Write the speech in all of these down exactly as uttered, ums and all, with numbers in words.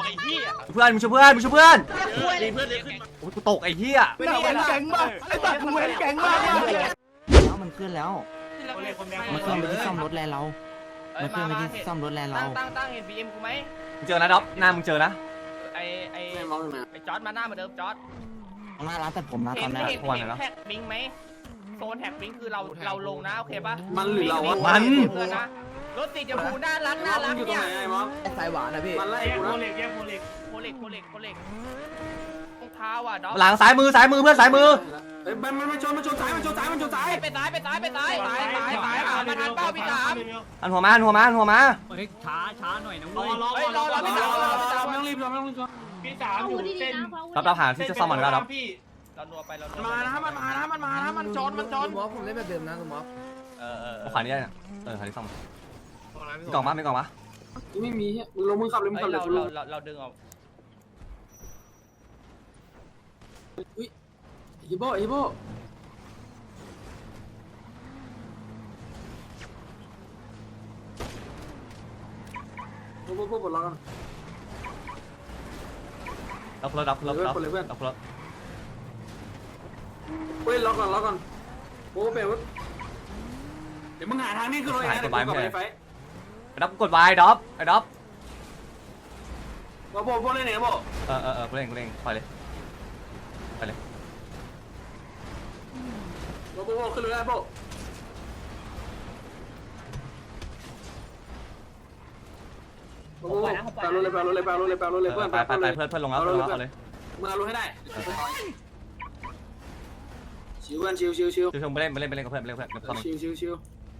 ไอ้เหี้ยเพื่อนมึงช่วยเพื่อนมึงช่วยเพื่อนดีเพื่อนเลยขึ้นมาโอ้ยกูตกไอ้เหี้ยไม่ได้เว้นแก๊งมากไอ้ตัดมึงเว้นแก๊งมากเลยแล้วมันขึ้นแล้วมันขึ้นไปที่ซ่อมรถแลนเรา มันขึ้นไปที่ซ่อมรถแลนเราตั้งตั้งเห็นบีเอ็มกูไหมมึงเจอนะด็อปหน้ามึงเจอนะไอไอไอจอร์ดมาหน้าเหมือนเดิมจอร์ดหน้าร้านตัดผมนะตเห็อน นนี้เห็นเห็นแท็กบิงไหมโซนแท็กบิงคือเราเราลงนะโอเคปะมันหรือเราวะมันนะรถติดอย่าพูน่ารักน่ารักอยู่ตรงเนี่ยไหนไอ้มอสสายหวานนะพี่มันไล่กูนะโคเล็กโคเล็กโคเล็กโคเล็กโคเล็กรองเท้าอ่ะด็อกหลังซ้ายมือซ้ายมือเพื่อนซ้ายมือเฮ้ยมันมันมันชนมันชนซ้ายมันชนซ้ายมันชนซ้ายไปซ้ายไปซ้ายไปซ้ายซ้ายซ้ายซ้ายอ่ะมาทันเป้าพี่สามอันหัวมาอันหัวมาอันหัวมาเฮ้ยช้าช้าหน่อยนะรอเว้ยรอเฮ้ยรอรอพี่สามรอพี่สามไม่ต้องรีบเราไม่ต้องรีบพี่สามอยู่เส้นรับรับหาที่จะซ่อมมันก็ได้พี่เรานัวไปเรามันมานะมันมานะมันมานะมันชนมันชนมอสผมเล่นแบบเดิมนะคุณมอสเออเออเอาขวานี้ได้เนี่ยเออขวานี้ซ่อมมีกล่องมั้ยมีกล่องมั้ยไม่มีมึงลงมือขับเลยมึงขับเลยเรากูลเรางเราดึงออกอุ้ยฮิโบฮิโบโบโบโบปลดล็อกกันรับรถรับรถรับรถรับรถเฮ้ยล็อกก่อนล็อกก่อนโบเปลดเดี๋ยวมึงหาทางนี้คือเราเองนะเดี๋ยวกูกลับไปไฟไอ้ด็อปกดวายด็อปไอ้ด็อปโบโบโบเล่นไหนโบเออเออเออกูเล่นกูเล่นปล่อยเลยไปเลยโบโบโบขึ้นเลยได้โบโบโบแปลรถเลยแปลรถเลยแปลรถเลยแปลรถเลยเพื่อนไปไปไปเพื่อนเพื่อนลงแล้วเพื่อนลงแล้วเอาเลยมึงเอารถให้ได้ชิวกันชิวชิวชิวชิวๆไปเล่นไปเล่นไปเล่นกับเพื่อนไปเล่นกับเพื่อนกับซ่อมชิวชิวชิว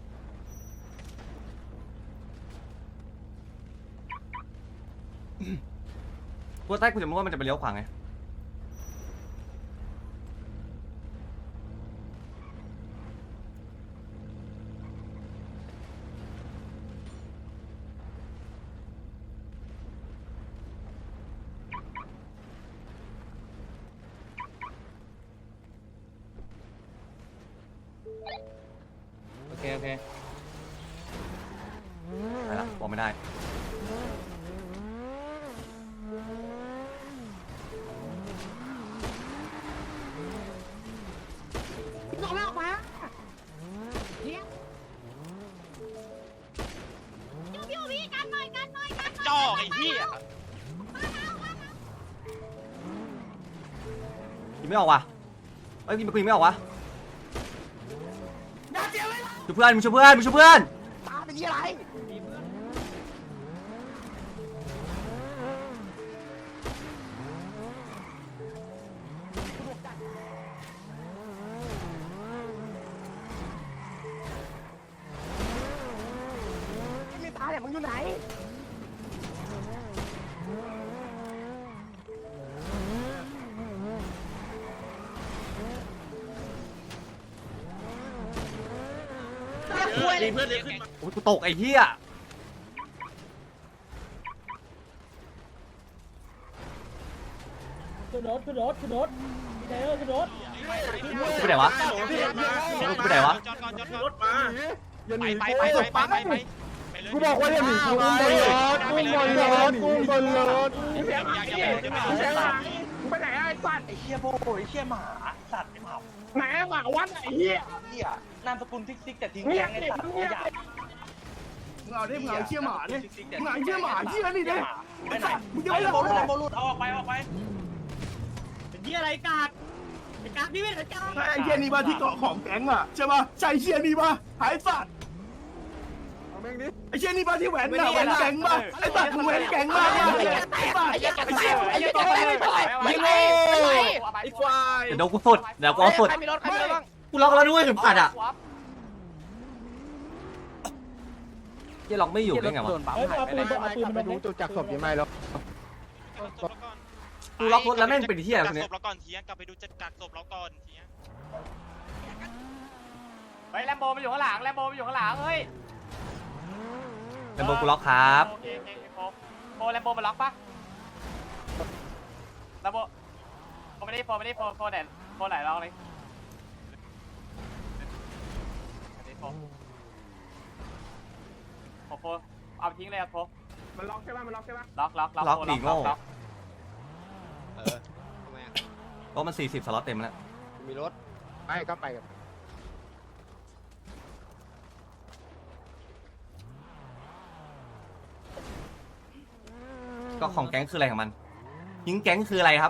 กูใต้กูจะรู้ว่ามันจะไปเลี้ยวขวาไงโอเคโอเคไปละบอกไม่ได้จ่อไอ้เหี้ยยิงไม่ออกว่ะเอ้ยยิงกูยิงไม่ออกว่ะช่วยเพื่อนมึงช่วยเพื่อนมึงช่วยเพื่อนตาเป็นยี่อะไรไม่ตาเนี่ยมึงอยู่ไหนดีเพื่อนเลยขึ้นมาโอ้ยกูตกไอ้เหี้ยขึ้นรถขึ้นรถขึ้นรถพี่ไดเออร์ขึ้นรถกูไปไหนวะกูไปไหนวะจอดก่อนจอดก่อนรถมาอย่าหไปนีไปไปไปไปไปกูบอกว่าอย่าหนีกูบนรถกูบนรถกูบนรถอย่าอย่าอย่าอย่าไปไหนไอ้สัตว์ไอ้เชี่ยโบไอ้เชี่ยหมาสัตว์ไอ้หมาไหนหมาวัดไอ้เหี้ยเหี้ยนามสกุลทิกซิกแต่ทิ้งเงีแกยบงไอ้ดิสัตว์เงียบอยากดิมึงเอาดิมึงเอาเชี่ยหมาดิมึงเอาเชี่ยหมาเชี่ยนี่ดิไอ้สัตว์มึงจะไอ้ไม่โบรู้ลูดเลยไอ้โบลูดเอาออกไปออกไปเป็นยี่อะไรกากไอ้กากนี่ไม่ใช่กากไอ้เชี่ยนี่ป่ะที่เกาะของแก๊งอ่ะใช่ป่ะใช่เชี่ยนี่ป่ะหายสัตว์ไอ้เชี่ยนี่ป่ะที่แหวนน่ะแหวนแก๊งป่ะไอ้สัตว์มึงแหวนแก๊งมากไอ้สัตว์ไอ้เชี่ยไอ้เชี่ยไอ้เชี่ยไม่โง่ไอ้ควายเดี๋ยวกูสุดเดี๋ยวกูเอาสุดใครมีรถใครมีรถบ้างกูล็อกแล้วด้วยเข็มขัดอ่ะเหี้ยล็อกไม่อยู่ได้ไงวะเฮ้ยเอาปืนเอาปืนมาดูจุดจักศพยังไงแล้วกูล็อกรถแล้วแม่งเป็นเหี้ยอะไรกักคนศเนี้ยพเราก่อนเทียกลับไปดูจัดกักศพเราก่อนเทียเฮ้ยแลมโบมันอยู่ข้างหลังแลมโบมันอยู่ข้างหลังเฮ้ยเป็นโบกูล็อกครับโอเคโอเคโบโบแลมโบมันล็อกปะแลมโบโบไม่ได้โบไม่ได้โบโบไหนโบไหนล็อกเลยโบโบเอาทิ้งเลยครับโบมันล็อกใช่ป่ะมันล็อกใช่ป่ะล็อกล็อกล็อกล็อกดิโง่ล็อกเออทำไมอ่ะเพราะมันสี่สิบสล็อตเต็มแล้วมีรถไปก็ไปกันก็ของแก๊งคืออะไรของมันยิงแก๊งคืออะไรครับ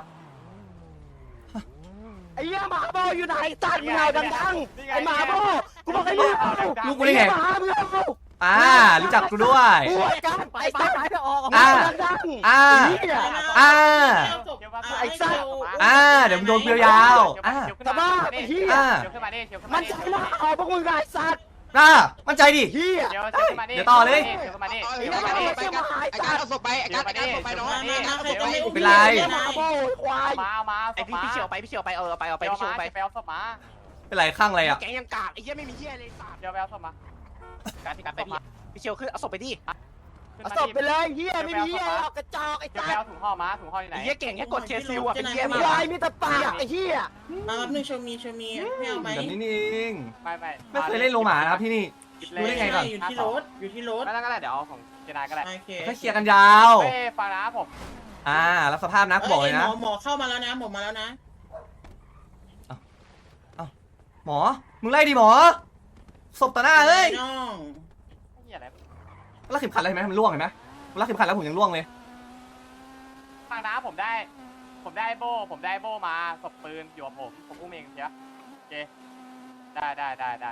ไอ้เหี้ยหมาโบอยู่ไหนตัดมึงเอาดังๆไอ้หมาโบกูบอกให้มึงเอาลูกกูได้ไงหมามึงเอาอ่ารู้จักกูด้วยกูไอ้กันไปไปไปไปออกอ่าดังๆอ่าไอ้เหี้ยอ่าไอ้สัตว์อ่าเดี๋ยวมึงโดนเกลียวยาวอ่าสภาพไอ้เหี้ยอ่าเดี๋ยวขึ้นมาดิเดี๋ยวขึ้นมัมาน ดิใจมากเอาพวกมึงไอ้สัตว์อ่ามั่นใจดิเหี้ยเดี๋ยวเดี๋ยวขึ้นมาดิเดี๋ยวต่อเลยเดี๋ยวขึ้นมาดิเอาเดี๋ยวขึ้นมาดิไปกันไอ้การเอาศพไปไอ้การไอ้การเอาศพไปน้องเดี๋ยวมาดิเป็นไรหมาโบควายมาเอามาเอาไอพี่พี่เฉียวไปพี่เฉียวไปเออไปเอาไปไปพี่เฉียวไปไปเอาศพมาเป็นไรข้างอะไรอ่ะแกงยังกากไอ้เหี้ยไม่มีเหี้ยเลยสัตว์เดี๋ยวไปเอาศพมาการที่การไปพี่พี่เฉียวขึ้นเอาศพไปดิขึ้นเอามาศดิพไปเลยเหี้ยไม่มีเหี้ยหรอกกระจอกไอ้เดี๋ยวสัไปตเอาว์ถุงห่อมาถุงห่ออยู่ไหนไอ้เหี้ยเก่งแค่กดเคซิลอ่ะเป็นเหี้ยไอ้มากควายมีแต่ปากไอ้เหี้ยมาแป๊บนึงโชมีโชมีไม่เอาไหมแบบนี้นี่เองไม่ไม่ไม่เคยเล่นโลหมานะครับที่นี่ รู้ได้ไงก่อนอยู่ที่รถอยู่ที่รถไม่ต้องก็ได้เดี๋ยวเอาของเจนายก็ได้โอเคถ้าเคลียร์กันยาวเฮ้ยฟังนะผมอ่ารับสภาพนะกูบอกเลยนะหมอหมอเข้ามาแล้วนะหมอมาแล้วนะหมอมึงไล่ดิหมอศพต่อหน้าเลยน้องนี่อะไรรักเข็มขัดอะไรเห็นไหมมันล่วงเห็นไหมรักเข็มขัดแล้วผมยังล่วงเลยฟังนะผมได้ ผมได้โบผมได้โบมาศพปืนอยู่กับผมผมอุ้มเองเชียวโอเคได้ได้ได้ได้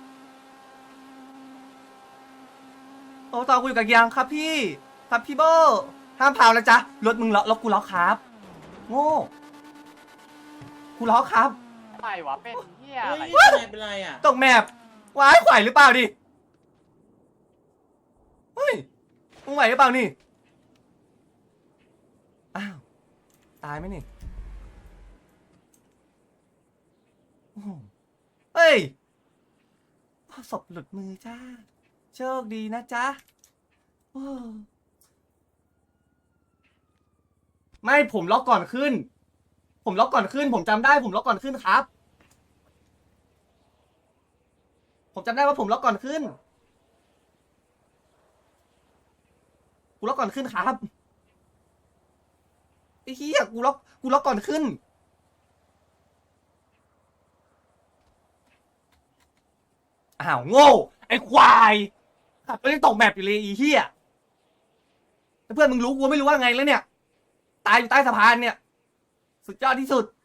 โอ้ตอนกูอยู่กับยังครับพี่ครับพี่โบห้ามเผานะจ๊ะรถมึงล็อกรถกูล็อกครับโง่กูล็อกครับอะไรวะเป็นเหี้ยเฮ้อะไรยเป็นไรเป็นไรอ่ะตกแมปว้ายไหวหรือเปล่าดิเฮ้ยมึงไหวหรือเปล่านี่อ้าวตายไหมนี่โอ้โหเฮ้ยศพหลุดมือจ้าโชคดีนะจ๊ะโอ้ไม่ผมล็อกก่อนขึ้น ผมล็อกก่อนขึ้น ผมจำได้ผมล็อกก่อนขึ้นครับ ผมจำได้ว่าผมล็อกก่อนขึ้นกูล็อกก่อนขึ้นครับไอ้เหี้ยกูล็อกกูล็อกก่อนขึ้นอ้าวโง่ไอ้ควายขับไปเล่นตกแมปอยู่เลยไอ้เหี้ยแล้วเพื่อนมึงรู้กูไม่รู้ว่าไงแล้วเนี่ยตายอยู่ใต้สะพานเนี่ยสุดยอดที่สุด